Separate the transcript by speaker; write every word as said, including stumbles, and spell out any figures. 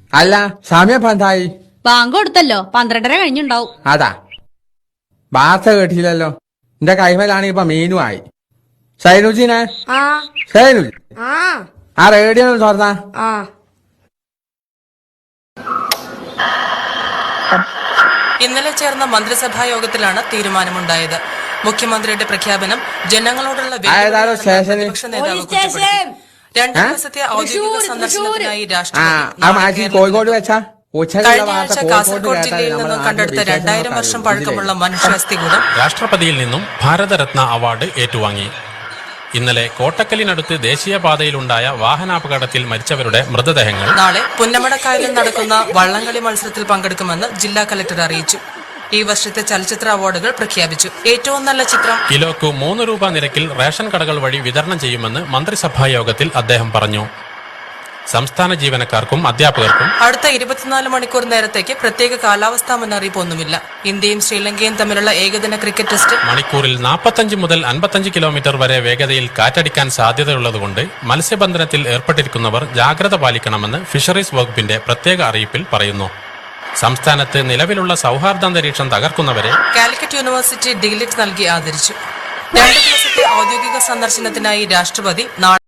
Speaker 1: അല്ല സമയം പന്തായി
Speaker 2: ബാങ്ക് കൊടുത്തല്ലോ പന്ത്രണ്ടര കഴിഞ്ഞുണ്ടാവും.
Speaker 1: അതാ ബാസ കേട്ടില്ലല്ലോ. എന്റെ കൈമേലാണ് ഇപ്പൊ മീനുമായി. സൈനുജിനെ സൈനുജി ആ റേഡിയോ തുറന്നാ.
Speaker 3: ഇന്നലെ ചേർന്ന മന്ത്രിസഭാ യോഗത്തിലാണ് തീരുമാനമുണ്ടായത്. മുഖ്യമന്ത്രിയുടെ പ്രഖ്യാപനം ജനങ്ങളോടുള്ള പ്രതിപക്ഷ നേതാവ് കുറ്റപ്പെടുത്തി. രണ്ടു ദിവസത്തെ ഔദ്യോഗിക സന്ദർശനത്തിനായി രാഷ്ട്രപതി
Speaker 1: കോഴിക്കോട് വെച്ചാ
Speaker 3: കഴിഞ്ഞ ആഴ്ച കാസർഗോഡ് ജില്ലയിൽ നിന്നും കണ്ടെടുത്ത രണ്ടായിരം വർഷം പഴക്കമുള്ള മനുഷ്യാസ്ഥികൂടം
Speaker 4: രാഷ്ട്രപതിയിൽ നിന്നും ഭാരതരത്ന അവാർഡ് ഏറ്റുവാങ്ങി. ഇന്നലെ കോട്ടക്കലിനടുത്ത് ദേശീയപാതയിലുണ്ടായ വാഹനാപകടത്തിൽ മരിച്ചവരുടെ മൃതദേഹങ്ങൾ
Speaker 3: നാളെ പുന്നമടക്കായലിൽ നടക്കുന്ന വള്ളംകളി മത്സരത്തിൽ പങ്കെടുക്കുമെന്ന് ജില്ലാ കലക്ടർ അറിയിച്ചു. ഈ വർഷത്തെ ചലച്ചിത്ര അവാർഡുകൾ പ്രഖ്യാപിച്ചു. ഏറ്റവും നല്ല ചിത്രം
Speaker 4: കിലോക്ക് മൂന്ന് രൂപ നിരക്കിൽ റേഷൻ കടകൾ വഴി വിതരണം ചെയ്യുമെന്ന് മന്ത്രിസഭാ യോഗത്തിൽ അദ്ദേഹം പറഞ്ഞു. സംസ്ഥാന ജീവനക്കാർക്കും അധ്യാപകർക്കും
Speaker 3: അടുത്ത ഇരുപത്തിനാല് മണിക്കൂർ നേരത്തേക്ക് പ്രത്യേക കാലാവസ്ഥാ മുന്നറിയിപ്പ് ഒന്നുമില്ല. ഇന്ത്യയും ശ്രീലങ്കയും തമ്മിലുള്ള ഏകദിന ക്രിക്കറ്റ് ടെസ്റ്റ്
Speaker 4: മണിക്കൂറിൽ നാൽപ്പത്തഞ്ച് മുതൽ അൻപത്തഞ്ച് കിലോമീറ്റർ വരെ വേഗതയിൽ കാറ്റടിക്കാൻ സാധ്യതയുള്ളതുകൊണ്ട് മത്സ്യബന്ധനത്തിൽ ഏർപ്പെട്ടിരിക്കുന്നവർ ജാഗ്രത പാലിക്കണമെന്ന് ഫിഷറീസ് വകുപ്പിന്റെ പ്രത്യേക അറിയിപ്പിൽ പറയുന്നു. സംസ്ഥാനത്ത് നിലവിലുള്ള സൗഹാർദ്ദാന്തരീക്ഷം തകർക്കുന്നവരെ
Speaker 3: കാലിക്കറ്റ് യൂണിവേഴ്സിറ്റി ഡിഗ്ലിറ്റ് നൽകി ആദരിച്ചു. രണ്ടു ദിവസത്തെ ഔദ്യോഗിക സന്ദർശനത്തിനായി രാഷ്ട്രപതി നാളെ